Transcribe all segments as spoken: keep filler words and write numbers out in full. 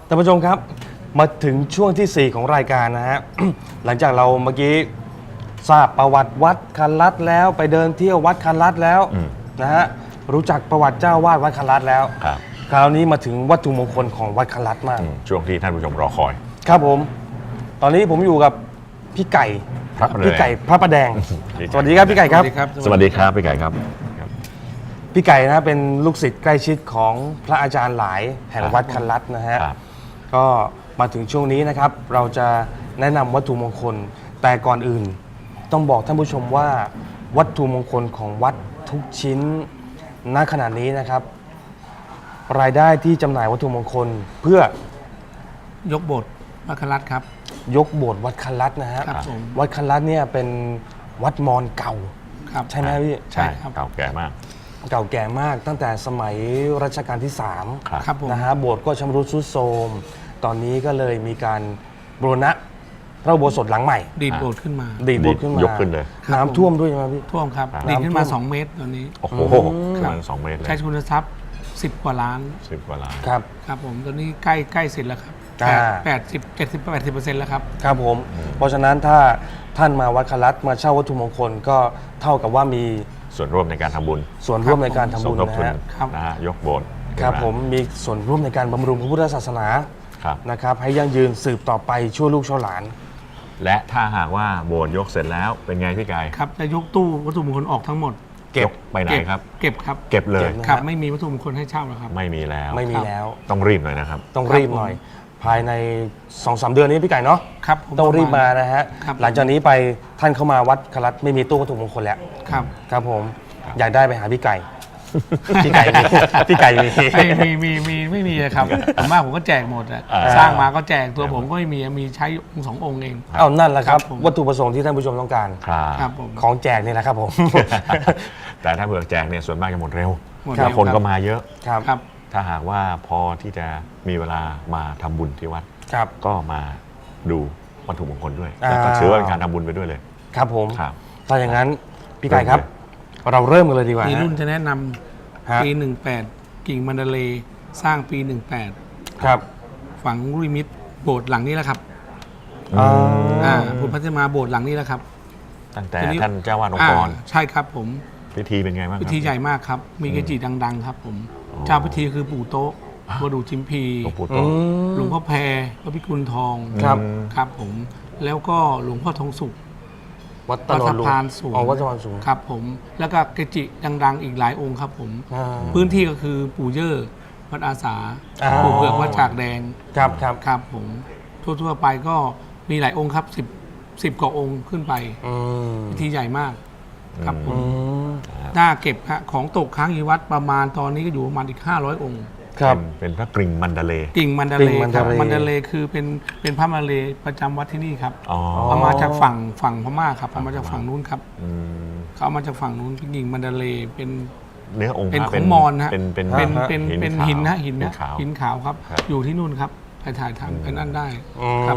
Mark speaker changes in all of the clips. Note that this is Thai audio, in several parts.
Speaker 1: ท่านผู้ชมครับมาถึงช่วงที่สี่ของรายการนะฮะ หลังจากเราเมื่อกี้ทราบประวัติวัดคันลัดแล้วไปเดินเที่ยววัดคันลัดแล้วนะฮะรู้จักประวัติเจ้าวาดวัดคันลัดแล้วคราวนี้มาถึงวัตถุมงคลของวัดคันลัดมาก
Speaker 2: ช่วงที่ท่านผู้ชมรอคอย
Speaker 1: ครับผมตอนนี้ผมอยู่กับพี่ไก่พี่ไก่พระประแดงสวัสดีครับพี่ไก่ครับ
Speaker 2: สวัสดีครับพี่ไก่ครับ
Speaker 1: พี่ไก่นะเป็นลูกศิษย์ใกล้ชิดของพระอาจารย์หลายแห่งวัดคันลัดนะฮะก็มาถึงช่วงนี้นะครับเราจะแนะนำวัตถุมงคลแต่ก่อนอื่นต้องบอกท่านผู้ชมว่าวัตถุมงคลของวัดทุกชิ้นณขณะนี้นะครับรายได้ที่จำหน่ายวัตถุมงคลเพื่อย
Speaker 3: กโบสถ์วัดคันลัดครับ
Speaker 1: ยกโบสถ์วัดคันลัดนะฮะวัดคันลัดเนี่ยเป็นวัดมอญเก่าใช่ไหมพี่
Speaker 2: ใช่ครับเก่าแก่มาก
Speaker 1: เก่าแก่มากตั้งแต่สมัยรัชกาลที่สามนะฮะโบสถ์ก็ชำรุดทรุดโทรมตอนนี้ก็เลยมีการบูรณะพระอุโบสถหลังใหม่
Speaker 3: ดีดโบสถ์ขึ้นมา
Speaker 1: ดีดโบสถ์ขึ้นมาย
Speaker 2: กขึ้นเลย
Speaker 1: น้ำท่วมด้วยใช่ไหมพี่
Speaker 3: ท่วมครับดีดขึ้นมาสองเมตรตอนนี้
Speaker 2: โอ้โหขึ้นมาสองเมตรเลย
Speaker 3: ใช้ทุนทรัพย์สิบกว่าล้าน
Speaker 2: สิบกว่าล้าน
Speaker 1: ครับ
Speaker 3: ครับผมตอนนี้ใกล้ใกล้เสร็จแล้วครับแปดสิบเจ็ดสิบแปดสิบเปอร์เซ็นต์แล้วครับ
Speaker 1: ครับผมเพราะฉะนั้นถ้าท่านมาวัดคันลัดมาเช่าวัตถุมงคลก็เท่ากับว่ามี
Speaker 2: ส่วนร่วมในการทำบุญ
Speaker 1: ส่วนร่วมในการทำบุญนะฮะ
Speaker 2: นะฮะยกโบสถ์
Speaker 1: ครับผมมีส่วนร่วมในการบำรุงพระพุทธศาสนานะครับให้ยั่งยืนสืบต่อไปชั่วลูกชั่วหลาน
Speaker 2: และถ้าหากว่าโบสถ์ยกเสร็จแล้วเป็นไงพี่ไก่
Speaker 3: ครับจะยกตู้วัตถุมงคลออกทั้งหมด
Speaker 2: เก็บไปไหนครับ
Speaker 3: เก็บครับ
Speaker 2: เก็บเลย
Speaker 3: ครับไม่มีวัตถุมงคลให้เช่าแล้วครับ
Speaker 2: ไม่มีแล้ว
Speaker 1: ไม่มีแล้ว
Speaker 2: ต้องรีบหน่อยนะครับ
Speaker 1: ต้องรีบหน่อยภายใน สองสาม เดือนนี้พี่ไก่เนาะ
Speaker 3: ครับ
Speaker 1: ต้องรีบมานะฮะหลังจากนี้ไปท่านเข้ามาวัดคันลัดไม่มีตู้วัตถุมงคลแล้ว
Speaker 3: ครับ
Speaker 1: ครับผมอยากได้ไปหาพี่ไก่พี่ไก่มีพี่ไก่มี
Speaker 3: มีมีมีไม่มีครับผมมากผมก็แจกหมดอะสร้างมาก็แจกตัวผมก็ไม่มีมีใช้องค์สององค์เอง
Speaker 1: เอานั่นแหละครับวัตถุประสงค์ที่ท่านผู้ชมต้องการ
Speaker 3: ครับผม
Speaker 1: ของแจกนี่แหละครับผม
Speaker 2: แต่ถ้าเผื่อแจกเนี่ยส่วนมากจะหมดเร็วแล้วคนก็มาเยอะ
Speaker 1: ครับ
Speaker 2: ถ้าหากว่าพอที่จะมีเวลามาทำบุญที่วัดก็มาดูวัตถุมงคลด้วยแล้วก็ถือว่าเป็นการทำบุญไปด้วยเลย
Speaker 1: ครับผมถ้าอย่างนั้นพี่ไก่ครับเราเริ่มกันเลยดีกว่า
Speaker 3: ปีรุ่นจะแนะนำปีหนึ่งแปดกิ่งมันดาเลสร้างปีหนึ่งแปด
Speaker 1: ครับ
Speaker 3: ฝังลูกนิมิตโบสถ์หลังนี้แหละครับอ่าพุทธพัฒนาโบสถ์หลังนี้แหละครับ
Speaker 2: ตั้งแต่ท่านเจ้าวาดองค์กร
Speaker 3: ใช่ครับผม
Speaker 2: พิธีเป็นไงบ้าง
Speaker 3: พิธีใหญ่มากครับมีเกจิดังๆครับผมเจ้าพิธีคือปู่โต๊ะวดูชิมพีหลวงพ่อแพรพระพิกุลทอง
Speaker 1: ครับ
Speaker 3: ครับผมแล้วก็หลวงพ่อทองสุข
Speaker 1: วัดตะ
Speaker 3: พานสูง
Speaker 1: อ๋อวัดตะพานสูง
Speaker 3: ครับผมแล้วก็เกจิดังๆอีกหลายองค์ครับผมพื้นที่ก็คือปู่เย่อวัดอาสาปู่เผือกวัดจากแดง
Speaker 1: ครับครับ
Speaker 3: ครับผมทั่วๆไปก็มีหลายองค์ครับสิบสิบกว่าองค์ขึ้นไปพิธีใหญ่มากครับผมน่าเก็บฮะของตกค้างอยู่วัดประมาณตอนนี้ก็อยู่ประมาณอีกห้าร้อยองค์
Speaker 1: ครับ
Speaker 2: เป็นพระกริ่งมันดาเล
Speaker 3: กิ่งมันดาเลครับมันดาเลคือเป็นเป็นพระมาเลประจำวัดที่นี่ครับเอามาจากฝั่งฝั่งพม่าครับเอามาจากฝั่งนู้นครับเขาเอามาจากฝั่งนู้นเป็นกิ่งมันดาเลเป็น
Speaker 2: เนื้อองค์
Speaker 3: เป็นของมอญฮะ
Speaker 2: เป็นเป็น
Speaker 3: เป็นเป็นเป็นหินนะหินนะหินขาวครับอยู่ที่นู่นครับถ่ายถ่ายทำเป็นนั่นได้ครับ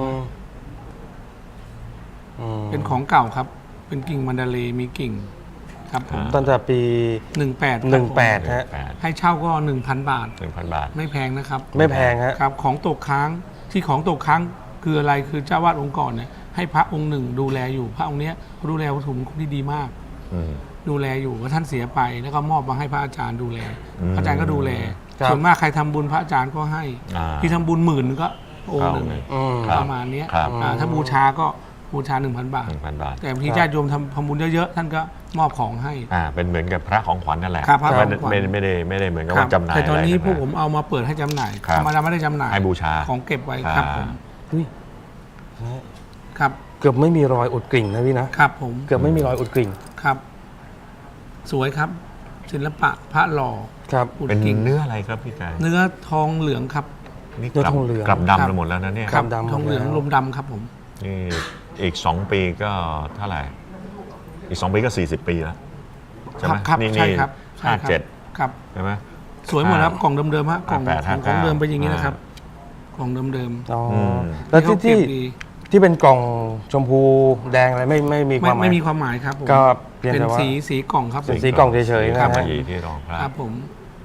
Speaker 3: เป็นของเก่าครับเป็นกิ่งมันดาเลมีกิ่งครับ
Speaker 1: ตั้งแต่ปี
Speaker 3: หนึ่งแปด
Speaker 1: หนึ่งแปดฮะ
Speaker 3: ให้เช่าก็หนึ่งพันบาท
Speaker 2: หนึ่งพันบาท
Speaker 3: ไม่แพงนะครับ
Speaker 1: ไม่แพงฮะ
Speaker 3: ครับของตกค้างที่ของตกค้างคืออะไรคือเจ้าวาดองค์ก่อนเนี่ยให้พระองค์หนึ่งดูแลอยู่พระองค์นี้ดูแลวัตถุมงคลที่ดีมากดูแลอยู่ว่าท่านเสียไปแล้วก็มอบมาให้พระอาจารย์ดูแลพระอาจารย์ก็ดูแลส่วนมากใครทำบุญพระอาจารย์ก็ให้ที่ทำบุญหมื่นก็องค์หนึ่งประมาณนี้ถ้าบูชาก็บูชาหนึ่งพันบาทแต่บางทีญาติโยมทำทำบุญเยอะๆท่านก็มอบของให้
Speaker 2: อ่าเป็นเหมือนกับพระของขวัญนั่นแหละไม่ไม่ได้ไม่ได้เหมือนกับว่าจำหน่าย
Speaker 3: แต่ตอนนี้พวกผมเอามาเปิดให้จำหน่ายธรรมดาไม่ได้จำหน่าย
Speaker 2: ให้บูชา
Speaker 3: ของเก็บไว้ครับผมครับ
Speaker 1: เกือบไม่มีรอยอุดกริ่งนะพี่
Speaker 3: นะครับผม
Speaker 1: เกือบไม่มีรอยอุดกริ่ง
Speaker 3: ครับสวยครับศิลปะพระหล่อ
Speaker 1: ครับ
Speaker 2: เป็นเนื้ออะไรครับพี่ไก่
Speaker 3: เนื้อทองเหลืองครับ
Speaker 1: นี่เนื้อทองเหลือง
Speaker 2: กลับดำไปหมดแล้วนะเนี่ย
Speaker 3: ครับทองเหลืองลมดำครับผม
Speaker 2: นี่อีกสองปีก็เท่าไหร่อีกสองปีก็สี่สิบปีแล้วใช่ไหม
Speaker 3: นี่นี่
Speaker 2: ห้าเจ็ด
Speaker 3: ครับ
Speaker 2: ใช่ไหม
Speaker 3: สวยหมดครับกล่องเดิมๆฮะกล่องของเดิมไปอย่างนี้นะครับกล่องเดิม
Speaker 1: ๆอ๋อแล้วที่ที่ที่เป็นกล่องชมพูแดงอะไรไม่ไม่มีความหมาย
Speaker 3: ไม่มีความหมายครับ
Speaker 1: ก็
Speaker 3: เป็นสีสีกล่องครับ
Speaker 1: สีกล่องเฉยๆนะครับ
Speaker 2: ที่รองพระ
Speaker 3: ครับผม
Speaker 1: แ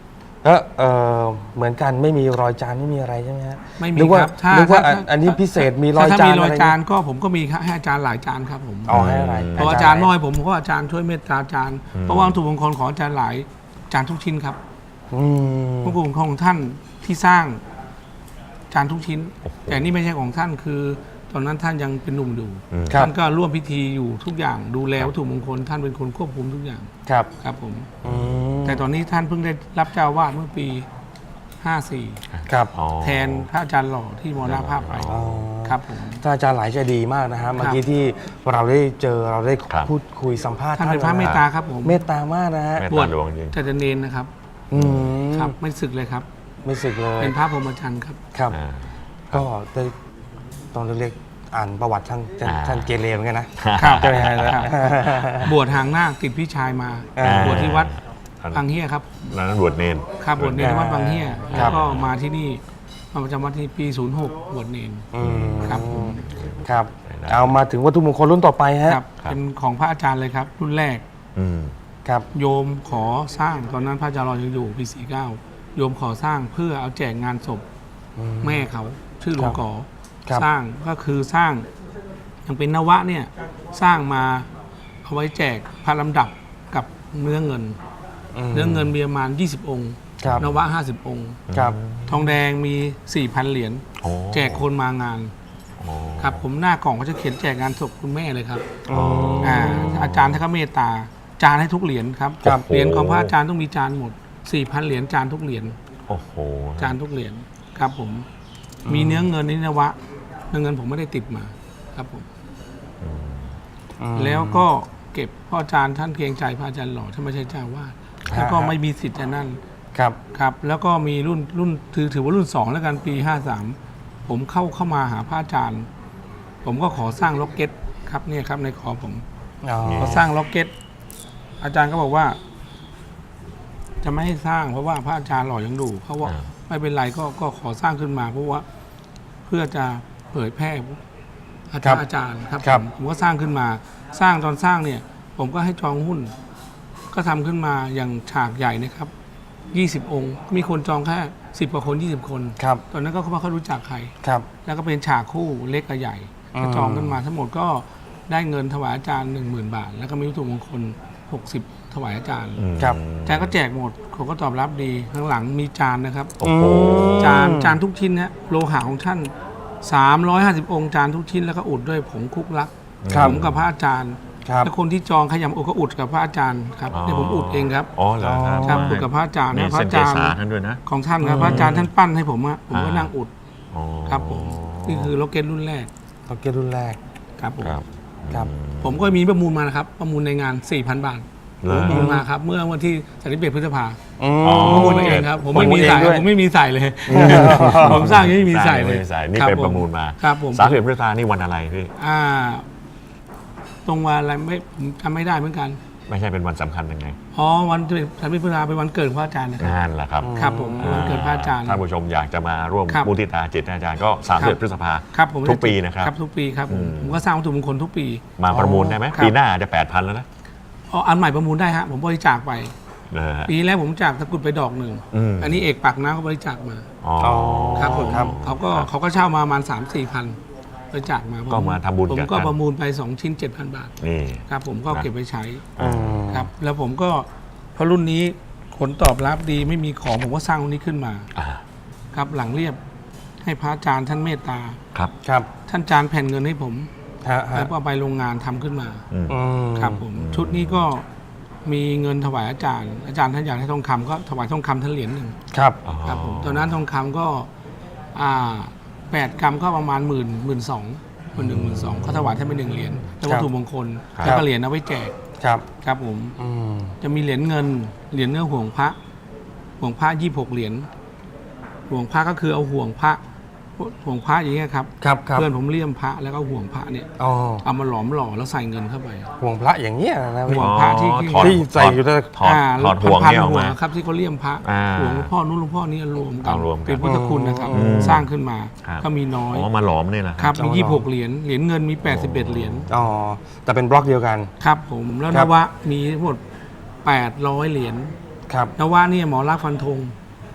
Speaker 1: ก็เอ่อเหมือนกันไม่มีรอยจานไม่มีอะไรใช่ไหมฮะ
Speaker 3: ไม่มี
Speaker 1: นึกว่า
Speaker 3: ครับถ้า
Speaker 1: นึกว่า
Speaker 3: ถ้า
Speaker 1: อันอันนี้พิเศษมีร
Speaker 3: ถ้
Speaker 1: อย
Speaker 3: ถ้า
Speaker 1: จาน
Speaker 3: มีรอย
Speaker 1: อะไร
Speaker 3: จานก็ผมก็มีให้อาจารย์หลายจานครับผม
Speaker 1: เอาให้อะไร
Speaker 3: เพราะอาจารย์น้อยผมผมก็อาจารย์ช่วยเมตตาอาจารย์เพราะว่าวัตถุมงคลของอาจารย์หลายจานทุกชิ้นครับ
Speaker 1: อืม
Speaker 3: วัตถุมงคลของท่านที่สร้างจานทุกชิ้น แต่นี่ไม่ใช่ของท่านคือ ตอนนั้นท่านยังเป็นหนุ่มอยู่
Speaker 2: อืม
Speaker 1: ครับ
Speaker 3: ท่านก็ร่วมพิธีอยู่ทุกอย่างดูแลวัตถุมงคลท่านเป็นคนควบคุมทุกอย่าง
Speaker 1: ครับ
Speaker 3: ครับผม
Speaker 1: อืม
Speaker 3: แต่ตอนนี้ท่านเพิ่งได้รับเจ้าอาวาสเมื่อปีห้าสี่
Speaker 1: ครับ
Speaker 2: อ๋อ
Speaker 3: แทนพระอาจารย์หล่อที่มรณภาพไป
Speaker 2: อ๋อ
Speaker 3: ครับผม
Speaker 1: ท่านอาจารย์หลายใจดีมากนะฮะเมื่อกี้ที่เราได้เจอเราได้
Speaker 2: ครับ
Speaker 1: พูดคุยสัมภาษณ์
Speaker 3: ท่านเป็นพระเมตตาครับผม
Speaker 1: เมตตามากนะฮะ
Speaker 2: เมต
Speaker 3: บวช
Speaker 2: ตาดวงจริง
Speaker 3: แต่จะเนนนะครับ
Speaker 1: อืม
Speaker 3: ครับไม่ศึกเลยครับ
Speaker 1: ไม่สึกเลย
Speaker 3: เป็นพระพรหมจรรย์ครับ
Speaker 1: ครับ
Speaker 2: อ่า
Speaker 1: ก็ได้ตอนเล็กๆอ่านประวัติท่านท่าน
Speaker 2: อ่า
Speaker 1: ท่านเกเรเหมือนกันนะ
Speaker 3: ครับ
Speaker 1: ใช่ไหมฮะ
Speaker 3: ครับ บวชหางนาคติดพี่ชายมา
Speaker 1: อ่า
Speaker 3: บวชที่วัด
Speaker 2: ท่าน
Speaker 3: บางเฮียครับ
Speaker 2: นั้นบวชเนน
Speaker 3: ครับบวชเนรที่วัดบางเฮีย
Speaker 1: ค
Speaker 3: แล้
Speaker 1: รั
Speaker 3: ว
Speaker 1: บ
Speaker 3: ก็มาที่นี่มาประจำวัดที่ปีศูนย์หกบวชเนร
Speaker 1: อืม
Speaker 3: ครับผม
Speaker 1: ครับ เอามาถึงวัตถุมงคลรุ่นต่อไปฮะ
Speaker 3: ครับเป็นของพระอาจารย์เลยครับ รุ่นแรก
Speaker 2: อืม
Speaker 1: ครับ
Speaker 3: โยมขอสร้างตอนนั้นพระอาจารย์รอยังอยู่ปีสี่เก้าโยมขอสร้างเพื่อเอาแจกงานศพ
Speaker 1: อืม
Speaker 3: แม่เขาชื่อหลวงกอ
Speaker 1: ครับ
Speaker 3: สร้างก็คือสร้างยังเป็นนวะเนี่ยสร้างมาเอาไว้แจกพระลำดับกับเนื้อเงิน
Speaker 1: ม
Speaker 3: เนื้อเงินมีประมาณยี่สิบองค์
Speaker 1: ครับ
Speaker 3: นวะห้าสิบองค์
Speaker 1: ครับ
Speaker 3: ทองแดงมี สี่พัน เหรียญ
Speaker 2: โอ้
Speaker 3: แจกคนมางาน
Speaker 2: โอ้
Speaker 3: ครับผมหน้ากล่องก็จะเขียนแจกงานศพคุณแม่เลยครับ
Speaker 1: อ๋อ
Speaker 3: อ่าอาจารย์ท่านก็เมตตาจานให้ทุกเหรียญครับ
Speaker 1: ครับ
Speaker 3: เหรียญของพระอาจารย์ต้องมีจานหมด สี่พัน เหรียญจานทุกเหรียญ
Speaker 2: โอ้โห
Speaker 3: จานทุกเหรียญครับผมมีเนื้อเงินนี่นวะเนื้อเงินผมไม่ได้ติดมาครับผม
Speaker 2: อืม
Speaker 1: อืม
Speaker 3: แล้วก็เก็บพ่ออาจารย์ท่านเกรงใจพระอาจารย์หล่อท่านไม่ใช่เจ้าวาดแล้วก็ไม่มีสิทธิ์อันนั้น
Speaker 1: ครับ
Speaker 3: ครับแล้วก็มีรุ่นรุ่นถือถือว่ารุ่นสองแล้วกันปีห้าสามผมเข้าเข้ามาหาพระอาจารย์ ผมก็ขอสร้างล็อกเก็ตครับเนี่ยครับในขอผม
Speaker 1: อ๋อ
Speaker 3: พอสร้างล็อกเก็ตอาจารย์ก็บอกว่า จะไม่ให้สร้างเพราะว่าพระอาจารย์หล่อยังดูเขาว่า
Speaker 2: อ่า
Speaker 3: ไม่เป็นไรก็ก็ขอสร้างขึ้นมา เพราะว่าเพื่อจะเผยแพร่อาจารย์อาจารย์ครับผมผมก็สร้างขึ้นมา สร้างตอนสร้างเนี่ย ผมก็ให้จองหุ้น ก็ทำขึ้นมาอย่างฉากใหญ่นะครับยี่สิบองค์มีคนจองแค่สิบกว่าคนยี่สิบคน
Speaker 1: ครับ
Speaker 3: ตอนนั้นก็ไม่ค่อยรู้จักใคร
Speaker 1: ครับ
Speaker 3: แล้วก็เป็นฉากคู่เล็กกับใหญ่
Speaker 1: อืม
Speaker 3: ก็จองกันมาทั้งหมดก็ได้เงินถวายอาจารย์หนึ่งหมื่นบาท แล้วก็มีวัตถุมงคลหกสิบถวายอาจารย์
Speaker 2: อืม
Speaker 1: ครับ
Speaker 3: อาจารย์ก็แจกหมดเขาก็ตอบรับดีข้างหลังมีจานนะครับ
Speaker 2: โอ้โห
Speaker 3: จานจานทุกชิ้นนะโลหะของท่านสามร้อยห้าสิบองค์จานทุกชิ้นแล้วก็อุดด้วยผงคุกลัก
Speaker 1: ครับ
Speaker 3: ผมกับพระอาจารย์
Speaker 1: ครับ
Speaker 3: แล้วคนที่จองขยำอุดก็อุดกับพระอาจารย์ครับเนี่ยผมอุดเองครับ
Speaker 2: อ๋อเหรอครับ
Speaker 3: ครับอุดกับพระอาจารย์
Speaker 2: มี
Speaker 3: นะพระ
Speaker 2: เส้น
Speaker 3: อา
Speaker 2: เก
Speaker 3: จารย์
Speaker 2: ษาท่านด้วยนะ
Speaker 3: ของท่านครับพระอาจารย์ท่านปั้นให้ผมอะผมก็
Speaker 2: อ่านั่
Speaker 3: นั่งอุด
Speaker 2: อ๋อ
Speaker 3: ครับผมนี่คือโลเก็ตรุ่นแรก
Speaker 1: ล็อกเก็ตรุ่นแรก
Speaker 3: ครับผม
Speaker 2: ครับ
Speaker 1: ครับ
Speaker 3: ผมก็มีประมูลมานะครับ ประมูลในงาน สี่พัน บาท
Speaker 2: เหร
Speaker 3: ผ
Speaker 2: อ
Speaker 3: มประมูลมาครับ เมื่อวันที่สามสิบเอ็ดพฤษภา
Speaker 1: อืม
Speaker 2: อ๋อ
Speaker 3: ผมประมูลเองครับ ผมไม่มีใส่
Speaker 1: ประมูลเองด้วย
Speaker 3: ผมไม่มีใส่เลย ผมสร้างยังไม่มีใส่เลย
Speaker 2: ไม่มีใส่นี่
Speaker 3: คบ
Speaker 2: เป็น
Speaker 3: ผ
Speaker 2: ประมูลมา
Speaker 3: ครับผม
Speaker 2: สามสิบพฤษภานี่วันอะไรพี่
Speaker 3: อ่า ตรงวันอะไรไม่ผมจำไม่ได้เหมือนกัน
Speaker 2: ไม่ใช่เป็นวันสำคัญยังไง
Speaker 3: อ๋อวันที่สามสิบพฤษภาเป็นวันเกิดของพระอาจารย์นะครับ
Speaker 2: งานแหละครับ
Speaker 3: ครับผมเป็นวันเกิดพระอาจารย์
Speaker 2: ท่านผู้ชมอยากจะมาร่วม
Speaker 3: ครับ
Speaker 2: มุทิตาจิตอาจารย์ก็สามสิบพฤษภา
Speaker 3: ครับผม
Speaker 2: ทุกปีนะครับ
Speaker 3: ครับทุกปีครับผม
Speaker 2: อืม
Speaker 3: ผมก็สร้างวัตถุมงคลทุกปี
Speaker 2: มาประมูลได้ไหม
Speaker 3: ครับ
Speaker 2: ปีหน้าอาจจะแปดพันแล้วนะ
Speaker 3: อ๋ออันใหม่ประมูลได้ฮะผมบริจาคไป
Speaker 2: นะฮะ
Speaker 3: ปีแรกผมจากตะกรุดไปดอกหนึ่ง
Speaker 2: อืม
Speaker 3: อันนี้เอกปากน้ำเขาบริจาคมา
Speaker 2: อ๋อ
Speaker 3: ครับผม
Speaker 1: ครับ
Speaker 3: เขาก็เขาก็เช่ามาประมาณสามสี่พันบริจาคมา
Speaker 2: ก็มาทำบุญ
Speaker 3: ผม
Speaker 2: กับ
Speaker 3: ก็
Speaker 2: ท่าน
Speaker 3: ประมูลไปสองชิ้นเจ็ดพันบาท
Speaker 2: นี่
Speaker 3: ครับผมก็
Speaker 2: นะ
Speaker 3: เก็บไว้ใช้
Speaker 1: อืม
Speaker 3: ครับ แล้วผมก็พอรุ่นนี้ผลตอบรับดีไม่มีของผมก็สร้างรุ่นนี้ขึ้นมา
Speaker 2: อ่า
Speaker 3: ครับหลังเรียบให้พระอาจารย์ท่านเมตตา
Speaker 2: ครับ
Speaker 1: ครับ
Speaker 3: ท่านจานแผ่นเงินให้ผม
Speaker 1: ฮะฮะ
Speaker 3: แล้วก็เอาไปโรงงานทำขึ้นมา
Speaker 2: อืม
Speaker 1: อืม
Speaker 3: ครับผมชุดนี้ก็มีเงินถวายอาจารย์ อาจารย์ท่านอยากให้ทองคำก็ถวายทองคำท่านเหรียญหนึ่ง
Speaker 1: ครับ
Speaker 2: อ๋อ
Speaker 3: ครับผมตอนนั้นทองคำก็อ่าแปดกรัมก็ประมาณหมื่นหมื่นสองหมื่นหนึ่งหมื่นสองเขาถวายท่านไปหนึ่งเหรียญแล้ววัตถุมงคลแล้วก็เหรียญเอาไว้แจก
Speaker 1: ครับ
Speaker 3: ครับผม
Speaker 1: อืม
Speaker 3: จะมีเหรียญเงินเหรียญเนื้อห่วงพระห่วงพระยี่หกเหรียญห่วงพระก็คือเอาห่วงพระห่วงพระอย่างเงี้ยครับ
Speaker 1: ครับครับ
Speaker 3: เพื่อนผมเลี่ยมพระแล้วก็ห่วงพระเนี่ย
Speaker 1: อ๋อ
Speaker 3: เอามาหลอมหล่อแล้วใส่เงินเข้าไป
Speaker 1: ห่วงพระอย่างเงี้ยนะพี่
Speaker 3: ห่วงพระที่
Speaker 2: ถอด
Speaker 1: ที่ใส่อยู่ใน
Speaker 2: ถอด
Speaker 3: อ่า
Speaker 2: ถอดห่วง
Speaker 3: พัน
Speaker 2: นี่
Speaker 3: ๆ
Speaker 2: ออก
Speaker 3: ห่ว
Speaker 2: มา
Speaker 3: งครับที่เขาเลี่ยมพระ
Speaker 2: อ่า
Speaker 3: ห่วงหลวงพ่อนู้นหลวงพ่อนี้รวมกัน
Speaker 2: เอารวมกัน
Speaker 3: เป็นพุทธคุณนะครับ
Speaker 1: อืม
Speaker 3: สร้างขึ้นมา
Speaker 2: ครับ
Speaker 3: ก็มีน้อย
Speaker 2: อ๋อมาหลอมนี่แหละ
Speaker 3: ครับมี
Speaker 1: เอามา
Speaker 3: ยี่
Speaker 1: หล่
Speaker 3: ห
Speaker 1: อ
Speaker 3: กเหรียญเหรียญเงินมีแปดสิบเอ็ดเหรียญ
Speaker 1: อ๋อแต่เป็นบล็อกเดียวกัน
Speaker 3: ครับผมแล้ว
Speaker 1: ครั
Speaker 3: น
Speaker 1: บ
Speaker 3: วะมีทั้งหมดแปดร้อยเหรียญ
Speaker 1: ครับ
Speaker 3: นวะเนี่ยหมอรักษณ์ฟันธง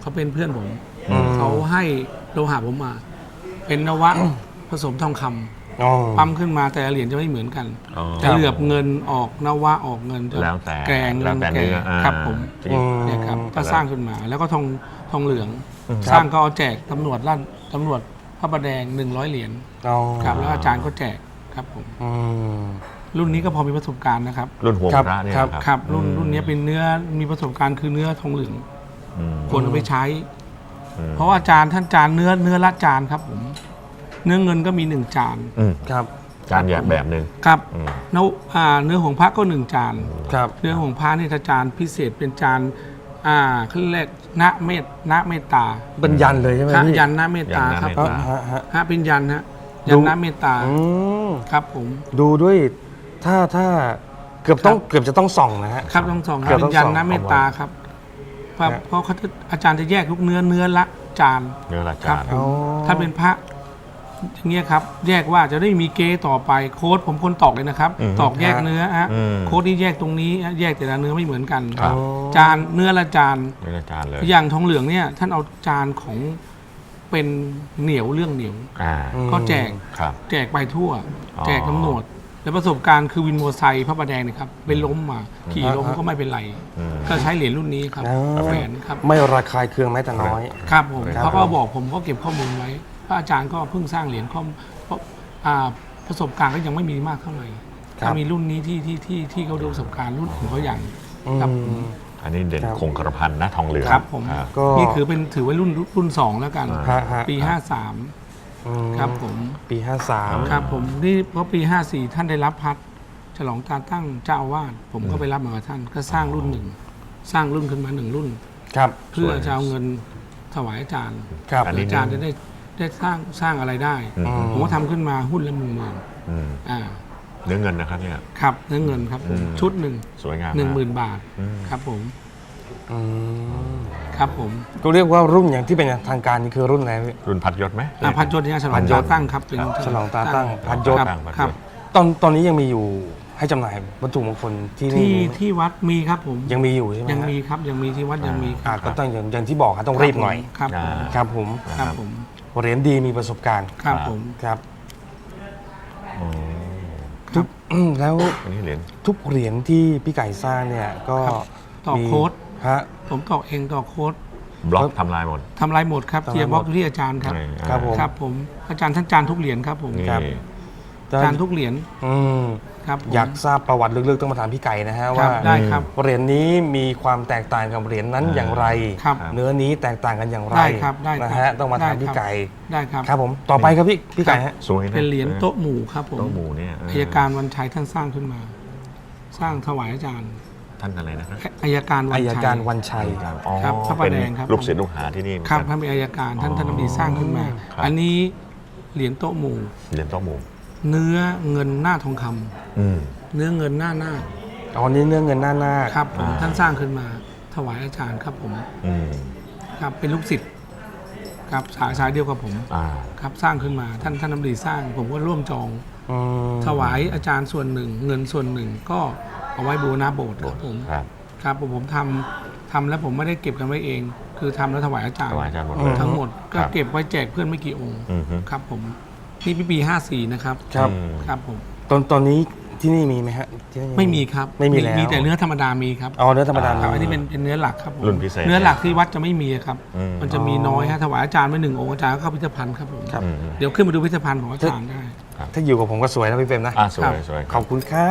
Speaker 3: เขาเป็นเพื่อนผม
Speaker 1: อืม
Speaker 3: เขาให้โลหะผมมา เป็นนวะผสมทองคำ
Speaker 1: อ๋อ
Speaker 3: ปั๊มขึ้นมาแต่ละเหรียญจะไม่เหมือนกัน
Speaker 2: อ๋อ
Speaker 3: จะเหลือบเงินออกนวะออกเงินจะ
Speaker 2: แล้วแต่
Speaker 3: แกง
Speaker 2: แล้วแต่
Speaker 3: แก
Speaker 2: เนื้
Speaker 3: ง
Speaker 2: ออ่า
Speaker 3: ครับผม
Speaker 2: ที่
Speaker 1: อืม
Speaker 3: เนี่ยครับก็สร้างขึ้นมาแล้วก็ทองทองเหลือง
Speaker 1: ครับ
Speaker 3: สร้างก็เอาแจกตำรวจลั่นตำรวจพระประแดงหนึ่งร้อยเหรียญ
Speaker 1: อ๋อ
Speaker 3: ครับแล้วอาจารย์ก็แจกครับผม
Speaker 1: อืม
Speaker 3: รุ่นนี้ก็พอมีประสบการณ์นะครับ
Speaker 2: รุ่นหัว
Speaker 1: ครับ
Speaker 2: พระเนี่ย
Speaker 1: ครับ
Speaker 3: ครับรุ่นรุ่นนี้เป็นเนื้อมีประสบการณ์คือเนื้อทองเหลือง
Speaker 2: อืม
Speaker 3: ควรเอาไปใช้
Speaker 2: อืม
Speaker 3: เพราะว่าจานท่านจานเนื้อเนื้อละจานครับผมเนื้อเงินก็มีหนึ่งจาน
Speaker 2: อืม
Speaker 1: ครับ
Speaker 2: จานแบบแบบหนึ่ง
Speaker 3: ครับ
Speaker 2: อืม
Speaker 3: เนื้ออ่าเนื้อของพระก็หนึ่งจาน
Speaker 1: ครับ
Speaker 3: เนื้อของพระนี่ถ้าจานพิเศษเป็นจานอ่าเขาเรียกณเมตณเมตตา
Speaker 1: เป็นยันเลยใช่ไหม
Speaker 3: พระ
Speaker 1: พี่
Speaker 3: ยันณเมตตา
Speaker 2: ยันณ
Speaker 3: ครับ
Speaker 2: เมต
Speaker 3: ผ
Speaker 2: ตา
Speaker 3: ม
Speaker 1: ฮะฮะ
Speaker 3: พระเป็นยันฮะยั
Speaker 1: ดู
Speaker 3: นณเมตตา
Speaker 1: อืม
Speaker 3: ครับผม
Speaker 1: ดูด้วยถ้าถ้าเกือบต้องเกือบจะต้องส่องนะฮะ
Speaker 3: ครับต้องสองค
Speaker 1: เกื
Speaker 3: รั
Speaker 1: อ
Speaker 3: บบ
Speaker 1: ต้
Speaker 3: เป็
Speaker 1: อง
Speaker 3: นยัน
Speaker 1: สอง
Speaker 3: ณเมตตาครับเพราะ
Speaker 1: ฮะ
Speaker 3: เพราะเขาจะอาจารย์จะแยกทุกเนื้อเนื้อละจาน
Speaker 2: เนื้อละ
Speaker 3: ครั
Speaker 2: จา
Speaker 3: บ
Speaker 2: น
Speaker 3: ผม
Speaker 1: อ๋อ
Speaker 3: ถ้าเป็นพระอย่างเงี้ยครับ แยกว่าจะได้มีเกต่อไปโค้ดผมคนตอกเลยนะครับ
Speaker 2: อืม
Speaker 3: ตอกแยกเนื้อฮะ
Speaker 2: อืม
Speaker 3: โค้ดที่แยกตรงนี้ฮะแยกแต่ละเนื้อไม่เหมือนกัน
Speaker 2: ครับ
Speaker 3: จานเนื้อละจาน
Speaker 2: เนื้อละจานเลย
Speaker 3: อย่างทองเหลืองเนี่ยท่านเอาจานของเป็นเหนียวเรื่องเหนียว
Speaker 2: อ่า
Speaker 3: ก็แจก
Speaker 2: ครับ
Speaker 3: แจกไปทั่ว
Speaker 2: อ๋อ
Speaker 3: แจกตำรวจแล้วประสบการณ์คือวินมอเตอร์ไซค์พระประแดงเนะครับไปล้มมาขี่ล้มก็ไม่เป็นไร
Speaker 2: อืม
Speaker 3: ก็ใช้เหรียญรุ่นนี้ครับ
Speaker 1: อ๋อ
Speaker 3: แหวนครับ
Speaker 1: ไม่ระคายเคืองแม้แต่น้อย
Speaker 3: ครับผม
Speaker 1: ครับ
Speaker 3: เขาก็บอกผมก็เก็บข้อมูลไว้พระอาจารย์ก็เพิ่งสร้างเหรียญข้อมเพราะอ่าประสบการณ์ก็ยังไม่มีมากเท่าไหร่
Speaker 1: ครับ
Speaker 3: ถ้ามีรุ่นนี้ที่ที่ที่ที่เขาดูประสบการณ์รุ่นของเขาอย่าง ครับผม
Speaker 1: อืม
Speaker 2: อันนี้เด่น
Speaker 1: ครับ
Speaker 2: คงกระพันนะทองเหลือง
Speaker 3: ครับผม
Speaker 2: อ่า
Speaker 1: ก็
Speaker 3: นี่ถือเป็นถือว่ารุ่นรุ่นสองแล้วกัน
Speaker 2: อ่า
Speaker 1: ฮะฮะ
Speaker 3: ปีห้าสาม
Speaker 1: อืม
Speaker 3: ครับผม
Speaker 1: ปีห้าสาม
Speaker 3: ครับผมนี่เพราะปีห้าสี่ท่านได้รับพัดฉลองการตั้งเจ้าอาวาสผมก็ไปรับมากับท่านก็สร้างรุ่นหนึ่งสร้างรุ่นขึ้นมาหนึ่งรุ่น
Speaker 1: ครับ
Speaker 3: เพื่อจะเอาเงินถวายอาจารย์
Speaker 1: ครับ
Speaker 2: อันนี้
Speaker 3: อาจารย์จะได้ได้สร้างสร้างอะไรได้
Speaker 2: อืม
Speaker 3: ผมก็ทำขึ้นมาหุ้นละหมื่นหมื่น
Speaker 2: อืม
Speaker 3: อ่า
Speaker 2: เนื้อเงินนะครับเนี่ย
Speaker 3: ครับเนื้อเงินครับผม
Speaker 2: อืม
Speaker 3: ชุดหนึ่ง
Speaker 2: สวยงาม
Speaker 3: หนึ่งหมื่
Speaker 2: มาก
Speaker 3: นบาท
Speaker 2: อืม
Speaker 3: ครับผม
Speaker 1: อืม
Speaker 3: ครับผม
Speaker 1: ก็เรียกว่ารุ่นอย่างที่เป็นทางการนี่คือรุ่นอะไรพี่
Speaker 2: รุ่นพัดยศไหม
Speaker 3: อ่าพันยศเนี่ยฉล
Speaker 1: พั
Speaker 3: อง
Speaker 1: นยศ
Speaker 3: ตาตั้งครับเป็น
Speaker 1: ฉลองตาตั้งพันยศ
Speaker 3: ครับ
Speaker 2: ตั้งพันยศ
Speaker 3: ครับ
Speaker 1: ตอนตอนนี้ยังมีอยู่ให้จำหน่ายวัตถุมงคลที่นี่
Speaker 3: ที่ที่วัดมีครับผม
Speaker 1: ยังมีอยู่ใช่ไหม
Speaker 3: ยัง
Speaker 1: ฮะ
Speaker 3: มีครับยังมีที่วัดยังมีค
Speaker 1: อ่า
Speaker 3: รับ
Speaker 1: ก็ต้องอย่างอย่างที่บอกครับต้องรีบหน่อย
Speaker 3: ครับผม
Speaker 2: อ่า
Speaker 1: ครับผม
Speaker 3: ครับผม
Speaker 1: เหรียญดีมีประสบการณ์
Speaker 3: ครับผม
Speaker 1: ครับ
Speaker 2: อ๋อ
Speaker 1: ทุกแล้ว
Speaker 2: อันนี้เหรียญ
Speaker 1: ทุกเหรียญที่พี่ไก่สร้างเนี่ยก็
Speaker 3: ครับต่อ
Speaker 1: มี
Speaker 3: โค้ด
Speaker 1: ฮะ
Speaker 3: ผมต่อเองต่อโค้ด
Speaker 2: บล็อกทำลายหมด
Speaker 3: ทำลายหมดครับ
Speaker 1: ทำลายหมด
Speaker 3: เทียบล็อกอยู่ที่อาจารย์ครับ
Speaker 2: นี่
Speaker 1: ครับผม
Speaker 3: ครับผมอาจารย์ท่านจานทุกเหรียญครับผม
Speaker 2: นี่
Speaker 1: ครับ
Speaker 3: จานทุกเหรียญ
Speaker 1: อืม
Speaker 3: ครับผม
Speaker 1: อยากทราบประวัติลึกๆต้องมาถามพี่ไก่นะฮะ
Speaker 3: ครั
Speaker 1: ว่า
Speaker 3: บได้ครับ
Speaker 1: เหรียญนี้มีความแตกต่างกับเหรียญนั้น
Speaker 2: อ่า
Speaker 1: อย่างไร
Speaker 3: ครับ
Speaker 1: เนื้อนี้แตกต่างกันอย่างไร
Speaker 3: ได้ครับได้ครับ
Speaker 1: นะฮะต้องมาถาม
Speaker 3: ได้
Speaker 1: พี่
Speaker 3: ครับ
Speaker 1: ไก่
Speaker 3: ได้ครับ
Speaker 1: ครับผมต่อไปครับพี่พี่ไก่ฮะ
Speaker 2: สวยนะ
Speaker 3: เป็นเหรียญโต๊ะหมู่ครับผม
Speaker 2: โต๊ะหมู่เนี่ยเ
Speaker 3: อายการวันชัยท่านสร้างขึ้นมา สร้างถวายอาจารย์
Speaker 2: ท่านอะไรนะครับ
Speaker 3: อายการวัน
Speaker 1: อาย
Speaker 3: ชัย
Speaker 1: การวันชัย
Speaker 2: อ๋อ
Speaker 3: ครับพระประแดงครับ
Speaker 2: เป็นลูกศิษย์ลูกหาที่นี่เหมือน
Speaker 3: ครับ
Speaker 2: กัน
Speaker 3: ท่านเป็นอายการท่านท่านอดีตสร้างขึ้นมา
Speaker 2: ครับ
Speaker 3: อันนี้เหรียญโต๊ะหมู่
Speaker 2: เหรียญโต๊ะหมู่
Speaker 3: เนื้อเงินหน้าทองคำ
Speaker 2: อืม
Speaker 3: เนื้อเงินหน้าหน้าค
Speaker 1: อ๋อนี่เนื้อเงินหน้าหน้า
Speaker 3: ครับผม
Speaker 2: อ่า
Speaker 3: ท่านสร้างขึ้นมา ถวายอาจารย์ครับผม
Speaker 2: อืม
Speaker 3: ครับเป็นลูกศิษย์ครับสายสายเดียวกับผม
Speaker 2: อ่า
Speaker 3: ครับสร้างขึ้นมาท่านท่านอดีตสร้าง ผมก็ร่วมจอง
Speaker 1: อืม
Speaker 3: ถวายอาจารย์ส่วนหนึ่ง เงินส่วนหนึ่งก็เอาไว้บูรณะโบสถ์ครับผม
Speaker 2: ครับ
Speaker 3: ครับผมผมทำทำแล้วผมไม่ได้เก็บกันไว้เอง คือทำแล้วถวายอาจารย์
Speaker 2: ถวายอาจารย์หมดเลย
Speaker 3: ทั้งหมดก็
Speaker 2: ครับ
Speaker 3: เก็บไว้แจกเพื่อนไม่กี่องค์
Speaker 2: อืมฮึ
Speaker 3: ครับผมนี่ปีปีห้าสี่นะครับ
Speaker 1: ครับ
Speaker 2: อืม
Speaker 3: ครับผม
Speaker 1: ตอนตอนนี้ที่นี่มีไหมฮะที่นี่
Speaker 3: ไม่มีครับ
Speaker 1: ไม่มีแล้ว
Speaker 3: มีแต่เนื้อธรรมดามีครับ
Speaker 1: อ๋อเนื้อธรรมดา
Speaker 3: ครับ
Speaker 1: มี
Speaker 3: อันนี้เป็นเป็นเนื้อหลักครับผม
Speaker 2: รุ่นพิเศษ
Speaker 3: เนื้อหลักที่วัดจะไม่มีครับ
Speaker 2: อืม
Speaker 3: มันจะมีน้อยฮะถวายอาจารย์ไว้หนึ่งองค์อาจารย์ก็เข้าพิพิธภัณฑ์ครับผม
Speaker 1: ครับ
Speaker 2: อืม
Speaker 3: เดี๋ยวขึ้นมาดูพิพิธภัณฑ์ของอาจารย์ได้
Speaker 1: ถ้าอยู่กับผมก็สวยนะพี่เฟรมนะ
Speaker 2: อ่าสว
Speaker 3: ครั
Speaker 2: ย
Speaker 3: บ
Speaker 2: สวย
Speaker 1: ขอบคุณครับ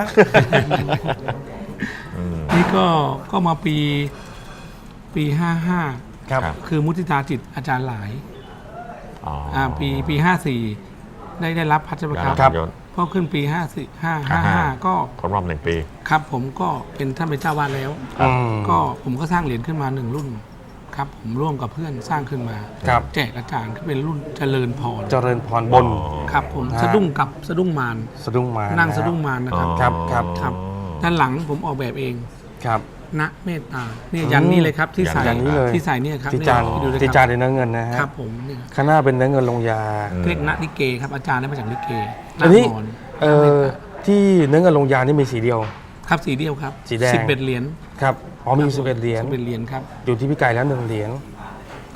Speaker 2: อืม
Speaker 3: นี่ก็ก็มาปีปีห้าห้า
Speaker 1: ครับ
Speaker 2: ครับ
Speaker 3: คือมุทิตาจิตอาจารย์หลาย
Speaker 2: อ๋อ
Speaker 3: อ่าปีปีห้าสี่ได้ได้รับพัชรครับ
Speaker 2: ครับยศ
Speaker 3: พอขึ้นปีห้าสี่ห้าห้าห้าก็
Speaker 2: ครบรอบหนึ่งปี
Speaker 3: ครับผมก็เป็นท่านเป็นเจ้าวาดแล้ว
Speaker 2: ครับ
Speaker 1: อืม
Speaker 3: ก็ผมก็สร้างเหรียญขึ้นมาหนึ่งรุ่นครับผมร่วมกับเพื่อนสร้างขึ้นมา
Speaker 1: ครับ
Speaker 3: แจกอาจารย์ก็เป็นรุ่นเจริญพร
Speaker 1: เจริญพรบน
Speaker 2: อ๋อ
Speaker 3: ครับผม
Speaker 1: ฮะ
Speaker 3: สะดุ้งกับสะดุ้งมาร
Speaker 1: สะดุ้งมา
Speaker 3: นั่ง
Speaker 1: น
Speaker 3: สะดุ้งมารนะครับ
Speaker 2: อ๋อ
Speaker 1: ครับครับ
Speaker 3: ครับ ด้านหลังผมออกแบบเอง
Speaker 1: ครับ
Speaker 3: ณเมตตาเนี่ยยันนี่เลยครับที่ใส่
Speaker 1: ยันนี้เลย
Speaker 3: ที่ใส่เนี่ยครับ
Speaker 1: ที่จาน
Speaker 3: เนี่ยดูเลย
Speaker 1: ที่
Speaker 3: ค
Speaker 1: จา
Speaker 3: รั
Speaker 1: นในเนื้อเงินนะฮะ
Speaker 3: ครับผมเนี่ย
Speaker 1: ข้างหน้าเป็นเนื้อเงินลงยา
Speaker 2: อืม
Speaker 3: เรียกณลิเกครับอาจารย์ได้มาจากลิเก
Speaker 1: อันนี้
Speaker 3: หาน
Speaker 1: เอ่อที่เนื้อเงินลงยานี่มีสีเดียว
Speaker 3: ครับสีเดียวครับ
Speaker 1: สีแดง
Speaker 3: สิบเอ็ดเหรียญ
Speaker 1: ครับอ๋อมีสิบเอ็ดเหรียญ
Speaker 3: สิบเอ็ดเหรียญครับ
Speaker 1: อยู่ที่พี่ไก่แล้วหนึ่งเหรียญ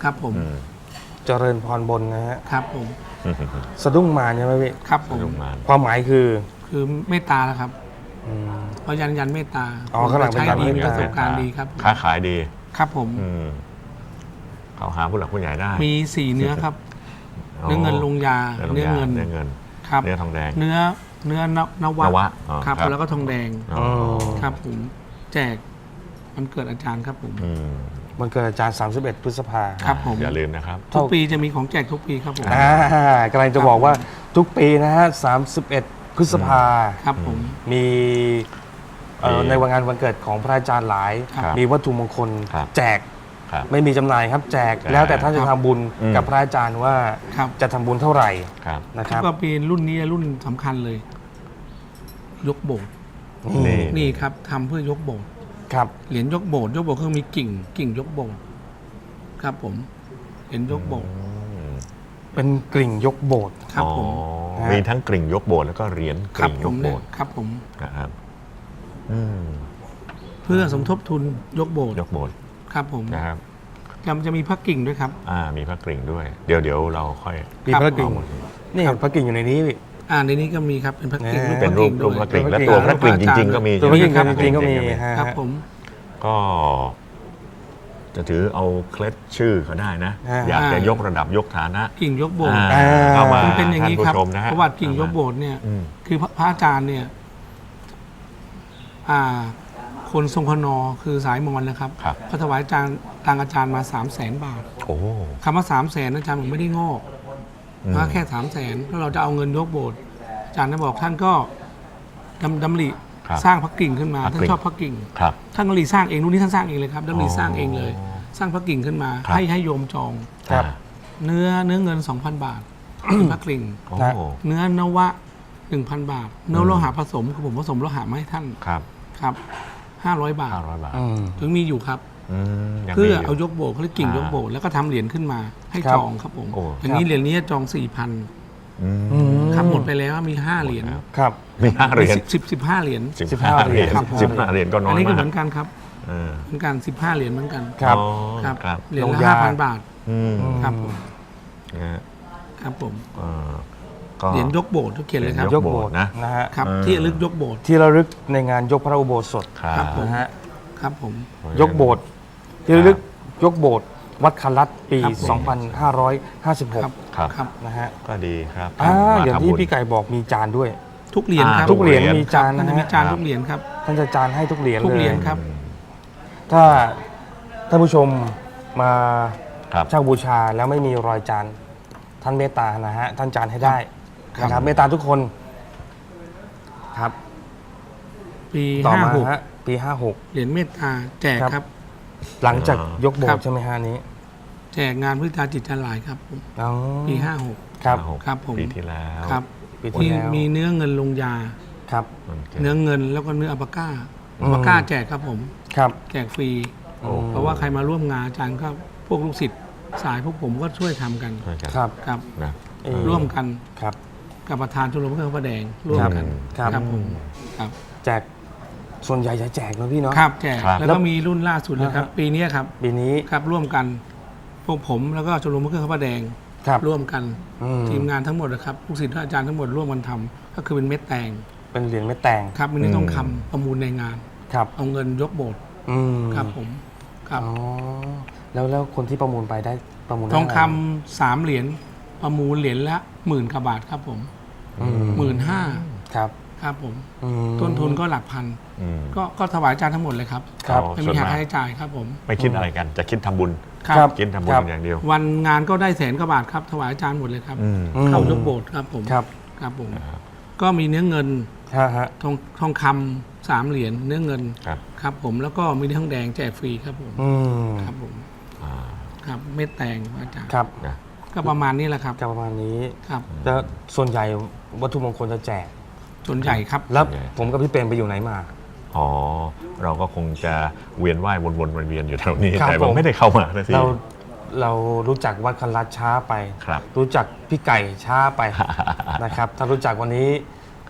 Speaker 3: ครับผม
Speaker 2: อืม
Speaker 1: เจริญพรบนนะฮะ
Speaker 3: ครับผม
Speaker 1: สะดุ้งมารใช่ไหมพี่
Speaker 3: ครับผม
Speaker 2: ลงมา
Speaker 1: ความหมายคือ
Speaker 3: คือเมตตาแล้วครับ
Speaker 1: อืม
Speaker 3: เพราะยันยันเมตตา
Speaker 1: อ๋อข้างหลังเป็น
Speaker 3: ใช้
Speaker 1: ยัน
Speaker 3: ดี
Speaker 1: เมตตามี
Speaker 3: มีประสบการณ์ดีครับ
Speaker 2: ค้าขายดี
Speaker 3: ครับผม
Speaker 2: อืมเขาหาผู้หลักผู้ใหญ่ได้
Speaker 3: มีสี่เนื้อครับ เนื้อเงินลงยา
Speaker 2: เนื้
Speaker 3: เนื้
Speaker 2: อ
Speaker 3: อ
Speaker 2: เงิ
Speaker 3: เงิ
Speaker 2: น
Speaker 3: น
Speaker 2: เนื้อเงิน
Speaker 3: ครับ
Speaker 2: เนื้อทองแดง
Speaker 3: เนื้อเนื้อนนวะ
Speaker 2: นวะอ๋อ
Speaker 3: ครับ
Speaker 2: ครับ
Speaker 3: แล้วก็ทองแดง
Speaker 2: อ๋อ
Speaker 3: ครับผมแจกมันเกิดอาจารย์ครับผม
Speaker 2: อืม
Speaker 1: มันเกิดอาจารย์สามสิบเอ็ดพฤษภา
Speaker 3: ครับผม
Speaker 2: อย่าลืมนะครับ
Speaker 3: ทุกปีจะมีของแจกทุกปีครับผม
Speaker 1: อ่ากำลังจะบอกว่าทุกปีนะฮะสามสิบเอ็ดพฤษภา
Speaker 3: ครับผม
Speaker 1: มีเอ่อ
Speaker 2: มี
Speaker 1: ในวันงานวันเกิดของพระอาจารย์หลาย
Speaker 2: ครับ
Speaker 1: มีวัตถุมงคล
Speaker 2: ครับ
Speaker 1: แจก
Speaker 2: ครับ
Speaker 1: ไม่มีจำหน่ายครับแจก
Speaker 2: แจก
Speaker 1: แล้วแต่ท่านจะทำบุญ
Speaker 2: อืม
Speaker 1: กับพระอาจารย์ว่า
Speaker 3: ครับ
Speaker 1: จะทำบุญเท่าไหร่
Speaker 2: ครับ
Speaker 1: นะครับ
Speaker 3: ก็เป็นรุ่นนี้รุ่นสำคัญเลย ยกโบสถ์
Speaker 2: นี่
Speaker 3: นี่ครับทำเพื่อยกโบสถ์
Speaker 1: ครับ
Speaker 3: เหรียญยกโบสถ์ยกโบสถ์คือมีกิ่ง กิ่งยกโบสถ์ครับผมเหรียญยกโบสถ์
Speaker 1: เป็นกลิ่งยกโบสถ์
Speaker 3: ครับผม
Speaker 2: อ๋อ
Speaker 1: ฮะ
Speaker 2: มีทั้งกริ่งยกโบสถ์แล้วก็เหรียญก
Speaker 3: ครับ
Speaker 2: ริ่ง
Speaker 3: ผ
Speaker 2: ย
Speaker 3: ม
Speaker 2: กโบ
Speaker 3: เนี่ย
Speaker 2: สถ์
Speaker 3: ครับผม
Speaker 2: นะครับอืม
Speaker 3: เพื่อสมทบทุนยกโบสถ์
Speaker 2: ยกโบสถ์
Speaker 3: ครับผม
Speaker 2: นะครับ
Speaker 3: จะจะมีพระกิ่งด้วยครับ
Speaker 2: อ่ามีพระกริ่งด้วย เดี๋ยวเดี๋ยวเราค่อย
Speaker 1: มี
Speaker 3: ครับ
Speaker 1: พระกลิ่ง
Speaker 2: เอาหมด
Speaker 1: นี่
Speaker 3: ครับ
Speaker 1: พระกลิ่งอยู่ในนี้พี่
Speaker 3: อ่าในนี้ก็มีครับเป็นพระกิ่ง
Speaker 1: แหม
Speaker 2: เป็นรูปรูปพระกริ่งและตัวพระกริ่งจริง ๆ ก็มี
Speaker 1: ตัวพระกลิ่ง
Speaker 2: ใช่ไหม
Speaker 1: จริงๆก็มีฮะ
Speaker 3: ครับผม
Speaker 2: ก็ จะถือเอาเคล็ดชื่อเขาได้นะ
Speaker 1: อ่า
Speaker 2: อยากจะยกระดับยกฐานะ
Speaker 3: กิ่งยกโบสถ์
Speaker 2: อ่าเข้ามา
Speaker 3: มันเป็นอย่างนี้ครับ
Speaker 2: ท่ผู้ชมนะฮะ
Speaker 3: ประวัติกิ่งยกโบสถ์เนี่ย
Speaker 2: อืม
Speaker 3: คือพระพระอาจารย์เนี่ย อ่า คนทรงพนอคือสายมอญนะครับ
Speaker 2: ครับ
Speaker 3: เขาถวายอาจารย์ตังอาจารย์มาสามแสนบาท
Speaker 2: โอ้
Speaker 3: คำว่าสามแสนอาจารย์ผมไม่ได้งอก
Speaker 2: อืม
Speaker 3: มาแค่สามแสนแล้วเราจะเอาเงินยกโบสถ์อาจารย์ได้บอกท่านก็ดำดำริ
Speaker 2: ครับ
Speaker 3: สร้างพระกิ่งขึ้นมา
Speaker 2: พระ
Speaker 3: ท่าน
Speaker 2: กิ่ง
Speaker 3: ชอบพระกิ่ง
Speaker 2: ครับ
Speaker 3: ท่านดำริสร้างเองรุ่นนี้ท่านสร้างเองเลยครับดำริสร้างเองเลย
Speaker 2: อ๋อ
Speaker 3: สร้างพระกิ่งขึ้นมา
Speaker 2: ครับ
Speaker 3: ให้ให้โยมจอง
Speaker 1: ครับ
Speaker 3: เนื้อเนื้อเงิน สองพัน บาท เป็นพระกิ่ง
Speaker 2: โอ้
Speaker 1: นะ
Speaker 3: เนื้อนวะ หนึ่งพัน บาท เนื้อโลหะผสมคือผมผสมโลหะมาให้ท่าน
Speaker 2: ครับ
Speaker 3: ครับ ห้าร้อย บาท
Speaker 2: ห้าร้อยบาท
Speaker 1: อืม
Speaker 3: ถึงมีอยู่ครับ
Speaker 2: อืมยังมี
Speaker 3: เพื่อ
Speaker 2: อยู่
Speaker 3: เอายกโบสถ์เขาเรียกกิ่ง
Speaker 2: อ่าย
Speaker 3: ยกโบสถ์แล้วก็ทำเหรียญขึ้นมาให้
Speaker 1: ครับ
Speaker 3: จองครับผม
Speaker 2: โอ้
Speaker 3: อย่างนี้เหรียญนี้จอง สี่พัน
Speaker 2: อืม
Speaker 1: อืม
Speaker 3: ครับหมดไปแล้วมีห้าเหรียญ
Speaker 1: ครับ
Speaker 2: มีห้าเหรียญ
Speaker 3: สิบสิบห้าเหรียญ
Speaker 2: สิบ
Speaker 1: สิบ
Speaker 2: ห้า
Speaker 1: ห้า
Speaker 2: เหรียญ
Speaker 1: ครับ
Speaker 2: สิบห้าเหรียญก็น้อ
Speaker 3: อัน
Speaker 2: ย
Speaker 3: นี้ก็
Speaker 2: มา
Speaker 3: เห
Speaker 2: ก
Speaker 3: มือนกันครับ
Speaker 2: เออ
Speaker 3: เหมือนกันสิบห้าเหรียญเหมือนกัน
Speaker 1: ครับ
Speaker 2: อ๋อ
Speaker 3: ครับ
Speaker 2: ครับ
Speaker 3: เหรียญ
Speaker 1: ลง
Speaker 3: ละ
Speaker 1: ยา
Speaker 3: ห้าพันบาท
Speaker 2: อืม
Speaker 3: ครับผม
Speaker 2: นะฮะ
Speaker 3: ครับผม
Speaker 2: เอ่อก็
Speaker 3: เหรียญยกโบสถ์ทุกเขียนเลยครับ
Speaker 2: ยกโบสถ์นะ
Speaker 1: นะฮะ
Speaker 3: ครับ
Speaker 2: เออ
Speaker 3: ที่ระลึกยกโบสถ์
Speaker 1: ที่ระลึกในงานยกพระอุโบสถ
Speaker 2: ครับ
Speaker 3: ครับผม
Speaker 1: นะฮะ
Speaker 3: ครับผม
Speaker 1: ยกโบสถ์ที่ระลึกยกโบสถ์วัดคันลัดปี
Speaker 3: ครับผม
Speaker 1: สองพันห้าร้อยห้าสิบหก
Speaker 3: ครับ
Speaker 2: ครับ
Speaker 3: ครับ
Speaker 1: นะฮะ
Speaker 2: ก็ดีครับ
Speaker 1: อ่า
Speaker 2: มา
Speaker 1: อย่าง
Speaker 2: ทำ
Speaker 1: ที่
Speaker 2: บุญ
Speaker 1: พี่ไก่บอกมีจานด้วย
Speaker 3: ทุกเหรียญครับ
Speaker 2: อ่า
Speaker 1: ทุกเหรียญ
Speaker 2: ทุกเหรียญ
Speaker 1: มีจาน
Speaker 3: ท่าน
Speaker 1: นะ
Speaker 3: จะมี
Speaker 1: ฮะ
Speaker 3: จานทุกเหรียญครับ
Speaker 1: ท่านจะจานให้ทุกเหรียญ
Speaker 3: ทุก
Speaker 1: เลย
Speaker 3: เหรียญครับ
Speaker 1: ถ้าท่านผู้ชมมา
Speaker 2: ครับ
Speaker 1: เช่าบูชาแล้วไม่มีรอยจานท่านเมตตานะฮะท่านจานให้ได้
Speaker 3: ครับ
Speaker 1: นะครับเมตตาทุกคนครับ
Speaker 3: ปี
Speaker 1: ต่อ
Speaker 3: ห้า
Speaker 1: มา
Speaker 3: หก
Speaker 1: ฮะปีห้าหก
Speaker 3: เหรียญเมตตาแจก
Speaker 1: ครับ
Speaker 3: ครับ
Speaker 1: หลังจาก
Speaker 2: อ่าย
Speaker 1: กโบ
Speaker 3: ครั
Speaker 1: สถ์
Speaker 3: บ
Speaker 1: ใช่ไหมฮะนี้
Speaker 3: แจกงานพุทธาจิตจันทร์หลายครับผม
Speaker 1: อ๋อ
Speaker 3: ปีห้าหก
Speaker 1: ครับ
Speaker 2: ห้าหก
Speaker 3: ครับผม
Speaker 2: ปีที่แล้ว
Speaker 3: ครับ
Speaker 1: ปีที่
Speaker 3: มี
Speaker 1: แล้ว
Speaker 3: มีเนื้อเงินลงยา
Speaker 1: ครับ
Speaker 2: มันก็
Speaker 3: เนื้อเงินแล้วก็เนื้ออัปปาก้า
Speaker 1: อื
Speaker 3: อั
Speaker 1: ม
Speaker 3: ปปาก้าแจกครับผม
Speaker 1: ครับ
Speaker 3: แจกฟรี
Speaker 2: โอ้
Speaker 3: เพราะว่าใครมาร่วมงานอาจารย์ก็พวกลูกศิษย์สายพวกผมก็ช่วยทำกัน
Speaker 2: ช่วยกัน
Speaker 1: ครับ
Speaker 3: ครับ
Speaker 2: นะ
Speaker 1: เอ่อ
Speaker 3: ร่วมกัน
Speaker 1: ครับ
Speaker 3: กับประธานชมรมเครื่องพระแดงร่วมกัน
Speaker 1: ครับ
Speaker 3: ครับผมครับ
Speaker 1: แจกส่วนใหญ่จะแจกนะพี่เนาะ
Speaker 3: ครับแจก
Speaker 2: ครับ
Speaker 3: แล้วก็มีรุ่นล่าสุดเลยครับ
Speaker 1: อ่าฮะ
Speaker 3: ปีนี้ครับ
Speaker 1: ปีนี้
Speaker 3: ครับร่วมกันพวกผมแล้วก็ชมรมเครื่องพระแดง
Speaker 1: ครับ
Speaker 3: ร่วมกัน
Speaker 1: อืม
Speaker 3: ทีมงานทั้งหมดนะครับลูกศิษย์อาจารย์ทั้งหมดร่วมกันทำก็คือเป็นเม็ดแตง
Speaker 1: เป็นเหรียญเม็ดแตง
Speaker 3: ครับมินิต้องคำประมูลในงาน
Speaker 1: ครับ
Speaker 3: เอาเงินยกโบสถ์
Speaker 1: อืม
Speaker 3: ครับผมครับ
Speaker 1: อ๋อแล้วแล้วคนที่ประมูลไปได้ประมูลได้
Speaker 3: ทองคำ
Speaker 1: ะไร
Speaker 3: สามเหรียญประมูลเหรียญละหมื่นกว่าบาทครับผม
Speaker 1: อืม
Speaker 3: หมื่นห้า
Speaker 1: ครับ
Speaker 3: ครับผม
Speaker 1: อืม
Speaker 3: ต้นทุนก็หลักพัน
Speaker 2: อืม
Speaker 3: ก็ก็ถวายอาจารย์ทั้งหมดเลยครับ
Speaker 1: ครับ
Speaker 2: เอา
Speaker 3: ไม่
Speaker 2: ส่ว
Speaker 3: มี
Speaker 2: น
Speaker 3: หัก
Speaker 2: มาก
Speaker 3: ค่าใช้จ่ายครับผม
Speaker 2: ไม่คิดอะไรกัน จะคิดทำบุญ
Speaker 1: ครับ
Speaker 2: คิดทำบุญ
Speaker 1: ครับ
Speaker 2: อย่างเดียว
Speaker 3: วันงานก็ได้แสนกว่าบาทครับถวายอาจารย์หมดเลยครับ
Speaker 2: อืม
Speaker 1: อืม
Speaker 3: เข้ายกโบสถ์ครับผม
Speaker 1: ครับ
Speaker 3: ครับผม
Speaker 2: ครับ
Speaker 3: ก็มีเนื้อเงิน
Speaker 1: ฮะฮะ
Speaker 3: ทองทองคำสามเหรียญเนื้อเงิน
Speaker 2: ครับ
Speaker 3: ครับผมแล้วก็มีทองแดงแจกฟรีครับผม
Speaker 1: อืม
Speaker 3: ครับผม
Speaker 2: อ่า
Speaker 3: ครับเม็ดแตงอาจารย์
Speaker 1: ครับ
Speaker 2: นะ
Speaker 3: ก็ประมาณนี้แหละครับ
Speaker 1: ก็ประมาณนี้
Speaker 3: ครับ
Speaker 1: แล้วส่วนใหญ่วัตถุมงคลจะแจก
Speaker 3: ส่วนใหญ่ครับ
Speaker 1: แล้วผมกับพี่เปรมไปอยู่ไหนมา
Speaker 2: อ๋อ เราก็คงจะเวียนว่ายวนๆเวียนๆอยู่แถวนี้
Speaker 1: ครับ
Speaker 2: แต่ผม
Speaker 1: ผม
Speaker 2: ไม่ได้เข้ามานะสิ
Speaker 1: เราเรารู้จักวัดคันลัดช้าไป
Speaker 2: ครับ
Speaker 1: รู้จักพี่ไก่ช้าไป นะครับ ถ้ารู้จักวันนี้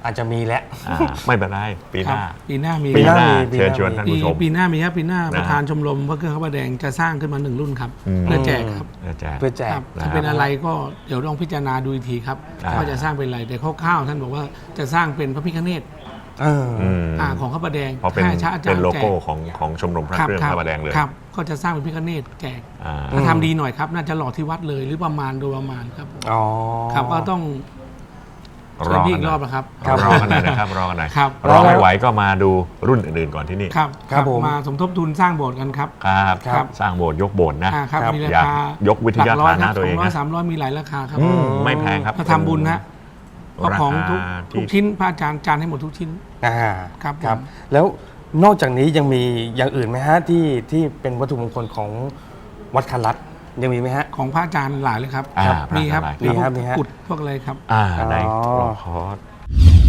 Speaker 1: อาจจะมีแล้ว
Speaker 2: อ่าไม่เป็นไรปีหน้า
Speaker 3: ครับปีหน้ามี
Speaker 2: ปีหน้า
Speaker 1: ปีหน้ามี
Speaker 2: เชิญชวนท่าน
Speaker 3: ปี
Speaker 2: ผู้ชม
Speaker 3: ปีหน้ามีครับปีหน้า
Speaker 2: นะ
Speaker 3: ประธานชมรมพระเครื่องข้าวประแดงจะสร้างขึ้นมาหนึ่งรุ่นครับ
Speaker 2: อืม
Speaker 3: เพื่อแจกครับ
Speaker 2: เพื่อแจก
Speaker 1: เพื่อแจ
Speaker 3: ค
Speaker 1: ก
Speaker 3: รับ
Speaker 2: นะครับ
Speaker 3: จะเป็นอะไรก็เดี๋ยวต้องพิจารณาดูอีกทีครับ
Speaker 2: อ่า
Speaker 3: ว่าจะสร้างเป็นอะไรแต่คร่าวๆท่านบอกว่าจะสร้างเป็นพระพิฆเนศ
Speaker 1: เออ
Speaker 2: อืม
Speaker 3: อ่าของข้าวประแดง
Speaker 2: เพราะเป็น
Speaker 3: ให้ชาอาจาร
Speaker 2: เป็น
Speaker 3: ย์
Speaker 2: โล
Speaker 3: แจก
Speaker 2: โก้ของของชมรมพระเครื่องพระประแดงเลย
Speaker 3: ครับก็จะสร้างเป็นพิฆเนศแจก
Speaker 2: อ่า
Speaker 3: ถ้าทำดีหน่อยครับ น่าจะหล่อที่วัดเลยหรือประมาณโดยประมาณครับ
Speaker 1: อ๋อ
Speaker 3: ครับก็ต้อง
Speaker 2: ร
Speaker 3: เชิญ
Speaker 2: อ
Speaker 3: พี่
Speaker 2: กั
Speaker 3: อี
Speaker 2: น
Speaker 3: ก
Speaker 2: ห
Speaker 3: ร
Speaker 2: น่
Speaker 3: อ
Speaker 2: อบ ย
Speaker 3: นะครับ
Speaker 1: ครับ
Speaker 2: รอกันหน่อยนะครับรอกันหน่อย
Speaker 3: ครับ
Speaker 2: รอไม่ไหวก็มาดูรุ่นอื่นๆก่อนที่นี่
Speaker 3: ครับ
Speaker 1: ครับผม
Speaker 3: มาสมทบทุนสร้างโบสถ์กันครับ
Speaker 2: ครับ
Speaker 3: ครับ
Speaker 2: สร้างโบสถ์ยกโบสถ์นะ
Speaker 3: อ่าครับ
Speaker 1: ครับ
Speaker 3: มีรา
Speaker 2: อยาก
Speaker 3: คาย
Speaker 2: กวิทยาฐานะตัวเอง
Speaker 3: สองร้อย
Speaker 2: นะ
Speaker 3: สามร้อยมีหลายราคาครับ
Speaker 2: อืมไม่แพงครับ
Speaker 3: ถ้าทำบุญนะก็ของทุก
Speaker 2: ราคา
Speaker 3: ทุก
Speaker 2: ที่
Speaker 3: ชิ้นพระอาจารย์จานให้หมดทุกชิ้น
Speaker 1: อ่า
Speaker 3: ครับผม
Speaker 1: ครับ แล้วนอกจากนี้ยังมีอย่างอื่นไหมฮะที่ที่เป็นวัตถุมงคลของวัดคันลัดยังมีไหมฮะ
Speaker 3: ของพระอาจารย์หลายเลยครับ
Speaker 2: อ่า
Speaker 3: มีครับ
Speaker 2: พระอาจารย์หลาย
Speaker 1: มีครับมีครับ
Speaker 3: กุดพวกอะไรครับ
Speaker 2: อ่าใน
Speaker 1: อ๋อ
Speaker 2: รอคอร์ส